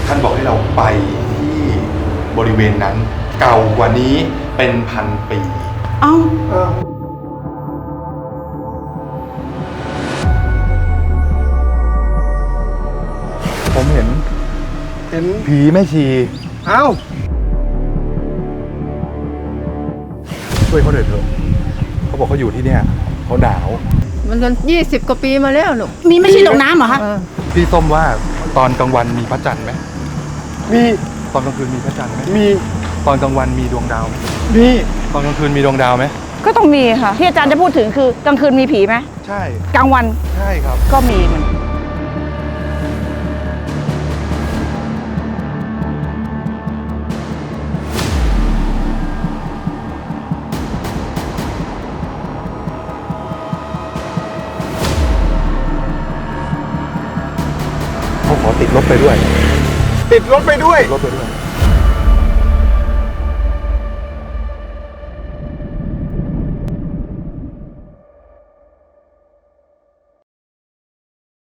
ท่านบอกให้เราไปที่บริเวณนั้นเก่ากว่านี้เป็นพันปีเอ้าผมเห็นผีแม่ชีเอ้าช่วยเขาหน่อยเถอะเขาบอกเขาอยู่ที่เนี่ยเขาหนาวมันกัน20 กว่าปีมาแล้วลูกมีไม่ใช่ตกน้ำเหรอคะพี่ส้มว่าตอนกลางวันมีพระจันทร์ไหมมีตอนกลางคืนมีพระจันทร์ไหมมีตอนกลางวันมีดวงดาวไหมมีตอนกลางคืนมีดวงดาวไหมก็ต้องมีค่ะ ที่อาจารย์จะพูดถึงคือกลางคืนมีผีไหมใช่กลางวันใช่ครับก็มีเหมือนเขาขอติดรถไปด้วยติดรถไปด้วยรถไปด้วย